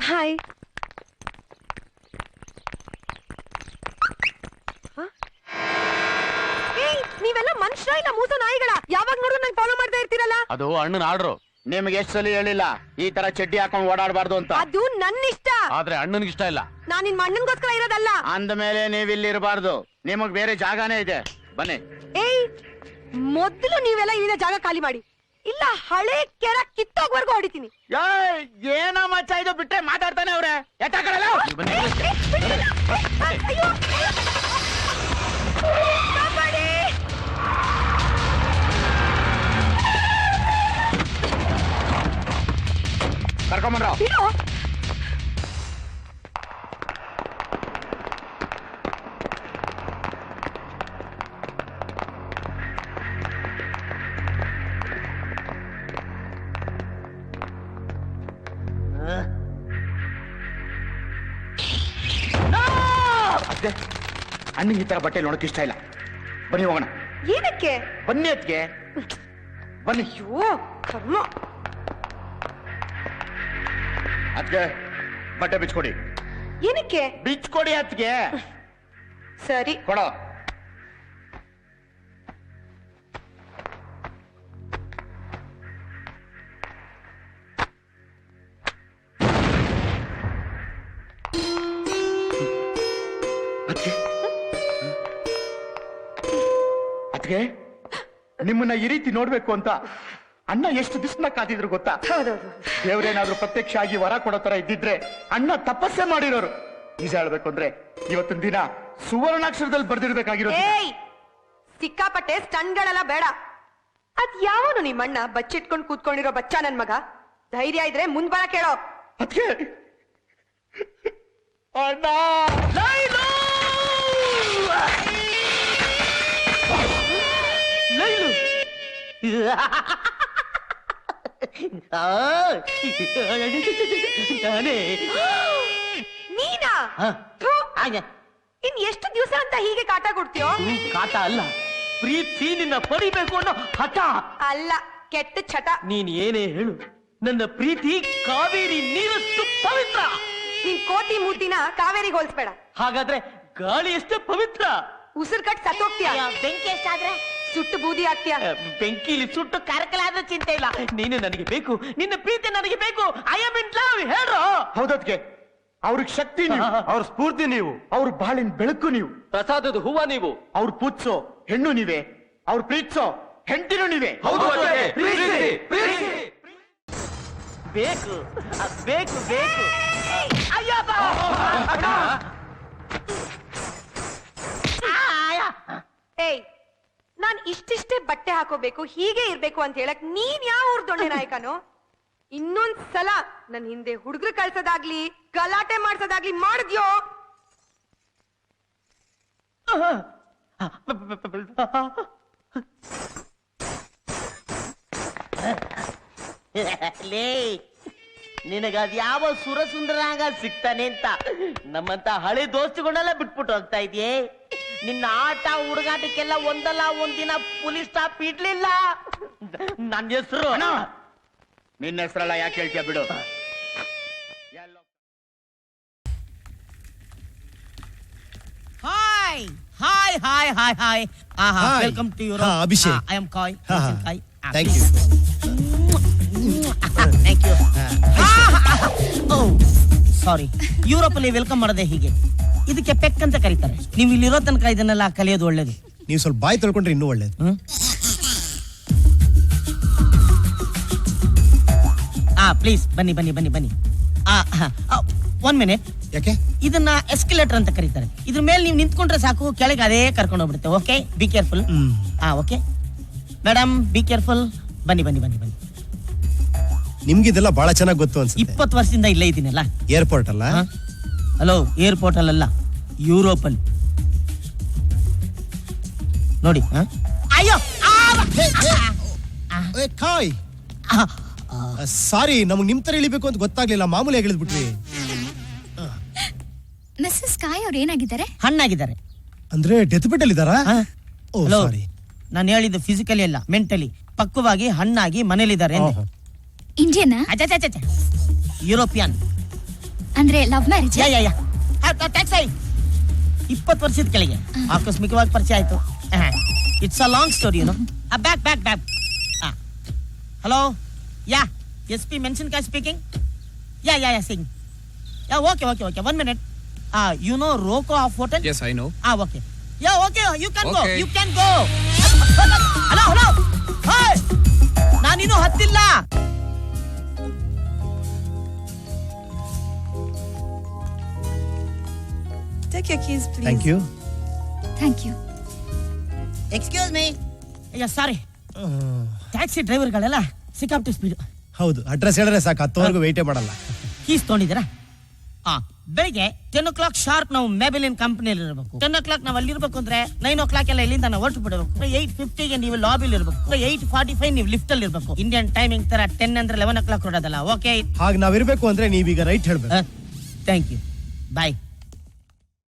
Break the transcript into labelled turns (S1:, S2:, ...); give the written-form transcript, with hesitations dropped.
S1: Hi. ನೀವೆಲ್ಲ ಮನುಷ್ಯ ಇಲ್ಲ ಮೂಸ ನಾಯಿಗಳ? ಯಾವಾಗ ನೋಡಿದ್ರು ನಂಗೆ ಫಾಲೋ ಮಾಡ್ತಾ ಇರ್ತೀರಲ್ಲ?
S2: ಅದು ಅಣ್ಣನ ಆರ್ಡ್ರು. ನಿಮ್ಗೆ ಎಷ್ಟು ಸಲ ಹೇಳಿಲ್ಲ ಈ ತರ ಚಡ್ಡಿ ಹಾಕೊಂಡು ಓಡಾಡಬಾರ್ದು ಅಂತ?
S1: ಅದು ನನ್ನ ಇಷ್ಟ.
S2: ಆದ್ರೆ ಅಣ್ಣನಿಗೆ ಇಷ್ಟ ಇಲ್ಲ.
S1: ನಾನ್ ನಿನ್ ಅಣ್ಣನ್ಗೋಸ್ಕರ ಇರೋದಲ್ಲ.
S2: ಅಂದ ಮೇಲೆ ನೀವ್ ಇಲ್ಲಿ ಇರಬಾರ್ದು. ನಿಮಗ್ ಬೇರೆ ಜಾಗನೇ ಇದೆ, ಬನ್ನಿ.
S1: ಏಯ್, ಮೊದ್ಲು ನೀವೆಲ್ಲ ಇಲ್ಲಿನ ಜಾಗ ಖಾಲಿ ಮಾಡಿ, ಇಲ್ಲ ಹಳೆ ಕೆರ ಕಿತ್ತೋಗ್ವರ್ಗು ಹೊಡಿತೀನಿ.
S2: ಏನ ಮಚ್ಚ ಇದು? ಬಿಟ್ಟೆ ಮಾತಾಡ್ತಾನೆ ಅವ್ರೆ. ಕರ್ಕೊಂಬಂದ್ರ ಅಣ್ಣಂಗೆ ಈ ತರ ಬಟ್ಟೆ ನೋಡಕ್ ಇಷ್ಟ ಇಲ್ಲ. ಬನ್ನಿ ಹೋಗೋಣ.
S1: ಏನಕ್ಕೆ?
S2: ಬನ್ನಿ ಅದ್ಗೆ, ಬನ್ನಿ.
S1: ಅಯ್ಯೋ ಕರ್ಮ.
S2: ಅದ್ಗೆ ಬಟ್ಟೆ ಬಿಚ್ಕೊಡಿ.
S1: ಏನಕ್ಕೆ?
S2: ಬಿಚ್ಕೊಡಿ ಅದ್ಗೆ.
S1: ಸರಿ
S2: ಕೊಡೋ. ಅದ್ಗೆ ನಿಮ್ಮನ್ನ ಈ ರೀತಿ ನೋಡ್ಬೇಕು ಅಂತ ಅಣ್ಣ ಎಷ್ಟು ದಿವ್ಸನ ಕಾದಿದ್ರು ಗೊತ್ತಾ? ದೇವ್ರೇನಾದ್ರೂ ಪ್ರತ್ಯಕ್ಷ ಆಗಿ ವರ ಕೊಡೋ ತರ ಇದ್ದಿದ್ರೆ ಅಣ್ಣ ತಪಸ್ಸೆ ಮಾಡಿರೋರು. ನಿಜ ಹೇಳ್ಬೇಕು ಅಂದ್ರೆ ಇವತ್ತಿನ ದಿನ ಸುವರ್ಣಾಕ್ಷರದಲ್ಲಿ ಬರ್ದಿರ್ಬೇಕಾಗಿರೋದು.
S1: ಸಿಕ್ಕಾಪಟ್ಟೆ ಸ್ಟನ್ಗಳೆಲ್ಲ ಬೇಡ. ಅದ್ ಯಾವನು ನಿಮ್ಮಣ್ಣ ಬಚ್ಚಿಟ್ಕೊಂಡು ಕೂತ್ಕೊಂಡಿರೋ ಬಚ್ಚ ನನ್ ಮಗ? ಧೈರ್ಯ ಇದ್ರೆ ಮುಂದ್ ಬರ ಕೇಳೋ.
S2: ಅದ್ಕೆ ಅಣ್ಣ
S1: ನೀನಾ? ಇನ್ ಎಷ್ಟು ದಿವಸ ಅಂತ ಹೀಗೆ ಕಾಟ ಕೊಡ್ತೀಯೋ?
S3: ಕಾಟ ಅಲ್ಲ, ಪ್ರೀತಿ ನಿನ್ನ ಪಡಿಬೇಕು ಅನ್ನೋ ಹಠ.
S1: ಅಲ್ಲ, ಕೆಟ್ಟ ಚಟ.
S3: ನೀನ್ ಏನೇ ಹೇಳು, ನನ್ನ ಪ್ರೀತಿ ಕಾವೇರಿ ನೀರಷ್ಟು ಪವಿತ್ರ.
S1: ನಿನ್ ಕೋತಿ ಮೂತಿನ ಕಾವೇರಿಗೆ ಹೋಲಿಸ್ಬೇಡ.
S3: ಹಾಗಾದ್ರೆ ಗಾಳಿ ಎಷ್ಟು ಪವಿತ್ರ.
S1: ಉಸಿರು ಕಟ್ ಸತ್ತೋಗ್ತೀಯ.
S3: ಬೆಂಕಿ ಎಷ್ಟಾದ್ರೆ
S1: ಸುಟ್ಟು ಬೂದಿ ಆಗ್ತೀಯ.
S3: ಬೆಂಕಿಲಿ ಸುಟ್ಟು ಕರಕಲಾದ್ರೆ ಚಿಂತೆ ಇಲ್ಲ. ನೀನು ನನಗೆ ಬೇಕು, ನಿನ್ನ ಪ್ರೀತಿ ನನಗೆ ಬೇಕು. I am in love. ಹೇಳ್ರೋ.
S2: ಹೌದದ್ಕೆ ಅವ್ರಿಗೆ ಶಕ್ತಿ ನೀವು, ಅವ್ರ ಸ್ಫೂರ್ತಿ ನೀವು, ಅವ್ರ ಬಾಳಿನ ಬೆಳಕು ನೀವು,
S3: ಪ್ರಸಾದದ ಹೂವ ನೀವು,
S2: ಅವ್ರ ಪೂಜ್ಸೋ ಹೆಣ್ಣು ನೀವೇ, ಅವ್ರ ಪ್ರೀತಿಸೋ ಹೆಂಡತಿನೂ ನೀವೇ.
S3: ಬೇಕು ಬೇಕು ಬೇಕು.
S1: ಏಯ್, ನಾನ್ ಇಷ್ಟಿಷ್ಟೇ ಬಟ್ಟೆ ಹಾಕೋಬೇಕು, ಹೀಗೆ ಇರ್ಬೇಕು ಅಂತ ಹೇಳಕ್ ನೀನ್ ಯಾವ ಊರ್ ದೊಣ್ಣೆ ನಾಯಕನು? ಇನ್ನೊಂದ್ ಸಲ ನನ್ ಹಿಂದೆ ಹುಡುಗರು ಕಳ್ಸೋದಾಗ್ಲಿ ಗಲಾಟೆ ಮಾಡ್ಸೋದಾಗ್ಲಿ ಮಾಡಿದ್ಯೋ?
S3: ನಿನಗದ್ ಯಾವ ಸುರಸುಂದರಾಗ ಸಿಗ್ತಾನೆ ಅಂತ ನಮ್ಮಂತ ಹಳೆ ದೋಸ್ತಿಗಳನ್ನೆಲ್ಲ ಬಿಟ್ಬಿಟ್ಟು ಹೋಗ್ತಾ ಇದೆಯೇ? ನಿನ್ನ ಆಟ ಹುಡುಗಾಟಕ್ಕೆಲ್ಲ ಒಂದಲ್ಲ ಒಂದಿನ ಪೊಲೀಸ್ ಸ್ಟಾಪ್ ಇಡ್ಲಿಲ್ಲ. ನನ್ನ ಹೆಸರು
S2: ನಿನ್ನ ಹೆಸರಲ್ಲ, ಯಾಕೆ ಹೇಳ್ತೀಯ ಬಿಡು.
S4: Hi hi hi hi hi. Welcome to your
S5: Abhishek.
S4: I am Kai.
S5: Thank you.
S4: Thank you. Sorry, Europe ಅಲ್ಲಿ ವೆಲ್ಕಮ್ ಮಾಡದೆ ಹೀಗೆ. ಇದಕ್ಕೆ ಪೆಕ್ ಅಂತ ಕರೀತಾರೆ. ನೀವು ಇಲ್ಲಿರೋ ತನಕ ಇದನ್ನೆಲ್ಲ ಕಲಿಯೋದು ಒಳ್ಳೇದು.
S5: ನೀವು ಸ್ವಲ್ಪ ಬಾಯಿ ತೊಳ್ಕೊಂಡ್ರೆ ಇನ್ನೂ ಒಳ್ಳೇದು.
S4: ಪ್ಲೀಸ್ ಬನ್ನಿ ಬನ್ನಿ ಬನ್ನಿ ಬನ್ನಿ. 1 ಮಿನಿಟ್.
S5: ಯಾಕೆ?
S4: ಇದನ್ನ ಎಸ್ಕಲೇಟರ್ ಅಂತ ಕರೀತಾರೆ. ಇದ್ರ ಮೇಲೆ ನೀವು ನಿಂತ್ಕೊಂಡ್ರೆ ಸಾಕು, ಕೆಳಗೆ ಅದೇ ಕರ್ಕೊಂಡು ಹೋಗ್ಬಿಡುತ್ತೆ. Okay, be careful. Okay madam, be careful. ಬನ್ನಿ ಬನ್ನಿ ಬನ್ನಿ ಬನ್ನಿ.
S5: ನಿಮ್ಗಿದೆಲ್ಲ ಬಹಳ ಚೆನ್ನಾಗಿ ಗೊತ್ತು ಅನ್ಸುತ್ತೆ.
S4: 20 ವರ್ಷದಿಂದ ಇಲ್ಲೇ ಇದ್ದೀನಲ್ಲ.
S5: ಏರ್ಪೋರ್ಟ್ ಅಲ್ಲ?
S4: ಹಲೋ, ಏರ್ಪೋರ್ಟ್ ಅಲ್ಲ, ಯುರೋಪ್ ಅಲ್ಲಿ ನೋಡಿ. ಅಯ್ಯೋ
S5: ಕಾಯ್, ಸಾರಿ, ನಮಗ್ ನಿಮ್ ತರ ಇಳಿಬೇಕು ಅಂತ ಗೊತ್ತಾಗ್ಲಿಲ್ಲ. ಮಾಮೂಲಿ ಇಳಿದ್ಬಿಟ್ವಿ.
S6: ಮಿಸ್ಸಸ್ ಕಾಯ್ ಅವ್ರು ಏನಾಗಿದ್ದಾರೆ?
S4: ಹಣ್ಣಾಗಿದ್ದಾರೆ.
S5: ಅಂದ್ರೆ ಡೆತ್ ಬೆಡ್ ಅಲ್ಲಿ ಇದಾರಾ?
S4: ಹಲೋ, ನಾನು ಹೇಳಿದ್ದು ಫಿಸಿಕಲಿ ಅಲ್ಲ, ಮೆಂಟಲಿ. ಪಕ್ವವಾಗಿ ಹಣ್ಣಾಗಿ ಮನೇಲಿದ್ದಾರೆ.
S6: ಇಂಡಿಯನ್?
S4: ಯುರೋಪಿಯನ್.
S6: ಅಂದ್ರೆ love marriage?
S4: Ya ya ya taxi 20 ವರ್ಷದ ಕೆಳಗೆ ಆಕಸ್ಮಿಕವಾಗಿ ಪರಿಚಯ ಆಯ್ತು. It's a long story you know. Back back back. Hello ya SP Menasinakayi speaking. Ya ya ya Singh. Ya okay okay okay 1 minute. You know Rocco of hotel?
S7: Yes, I know.
S4: Okay. Yeah, okay, you can go.
S7: Okay.
S4: You can go. Hello, hello. Hey! ನಾನಿನ್ನೂ ಹತ್ತಿಲ್ಲ.
S1: Take your keys, please.
S5: Thank you.
S6: Thank you.
S4: Excuse me. Sorry, taxi ಡ್ರೈವರ್ಗಳೆಲ್ಲ ಸಿಕ್ಕಾಪಟ್ಟೆ speed.
S5: ಹೌದು, address ಹೇಳಿದ್ರೆ ಸಾಕು, ಹತ್ತುವರೆಗೂ ವೇಟೇ ಮಾಡಲ್ಲ.
S4: ಕೀಸ್ ತೊಗೊಂಡಿದ್ದೀರಾ? ಬೆಳಿಗ್ಗೆ 10 o'clock ಶಾರ್ಪ್ ನಾವು ಮೆಬೆಲಿನ್ ಕಂಪನಿಯಲ್ಲಿ ಇರಬೇಕು. 10 o'clock ನಾವು ಅಲ್ಲಿ ಇರಬೇಕು ಅಂದ್ರೆ 9 o'clock ಎಲ್ಲ ಇಲ್ಲಿಂದ ನಾವು ಹೊರಟು ಬಿಡಬೇಕು. 8:50 ನೀವು ಲಾಬಿಲಿ ಇರಬೇಕು. 8:45 ನೀವು ಲಿಫ್ಟ್ ಅಲ್ಲಿ ಇರಬೇಕು. ಇಂಡಿಯನ್ ಟೈಮಿಂಗ್ ತರ 10 ಅಂದ್ರೆ 11 o'clock ಹೊರಡೋದಲ್ಲ. ಓಕೆ,
S5: ಹಾಗೆ ನಾವಿರ್ಬೇಕು ಅಂದ್ರೆ ನೀವೀಗ ರೈಟ್ ಹೇಳ್ಬೇಕು.
S4: Thank you, bye.